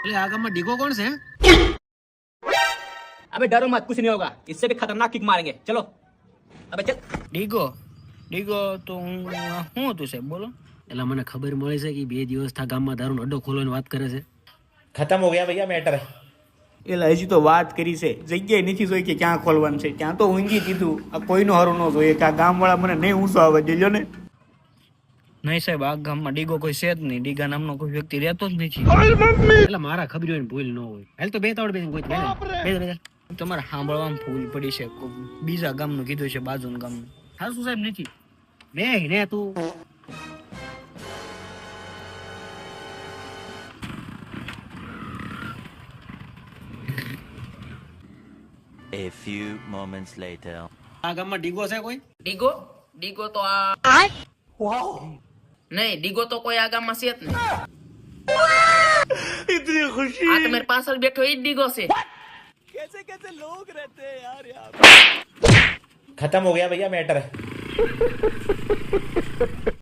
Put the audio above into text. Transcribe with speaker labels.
Speaker 1: એટલે આ ગામમાં ડીગો કોણ છે?
Speaker 2: अबे डरो मत, कुछ नहीं होगा, इससे भी खतरनाक किक मारेंगे, चलो अबे चल।
Speaker 1: ડીગો ડીગો તો શું હતું સાહેબ બોલો? એટલે મને ખબર મળી છે કે 2 દિવસથી ગામમાં દારૂનો અડ્ડો ખોલવાની વાત કરે છે.
Speaker 3: खत्म हो गया भैया मैटर।
Speaker 4: એટલે હજી તો વાત કરી છે, જગ્યાએ નથી જોઈ કે ક્યાં ખોલવાનું છે. ત્યાં તો ઊંઘી દીધું. આ કોઈનું હારું ન જોઈએ કે આ ગામવાળા મને નહીં ઊંચો આવે દેજો ને.
Speaker 1: નહીં સાહેબ, આ ગામમાં ડીગો કોઈ છે જ નહીં. ડીગા નામનો કોઈ વ્યક્તિ રહેતો જ નથી. એટલે મારા ખબર હોય ને ભૂલ ન હોય. હાલ તો બે કોઈ તમારે સાંભળવામાં ભૂલ પડી છે. બીજા ગામનું કીધું છે, બાજુનું ગામનું. હા શું સાહેબ નથી ને તું
Speaker 5: A few moments later.
Speaker 1: આ ગામમાં ડીગો છે કોઈ?
Speaker 2: ડીગો ડીગો તો આ नहीं, ડીગो तो कोई आगा मसीहत नहीं। इतनी खुशी आ तो मेरे पास बैठो ही ડીગो से।
Speaker 4: कैसे कैसे लोग रहते हैं यार यहाँ पे।
Speaker 3: खत्म हो गया भैया मैटर।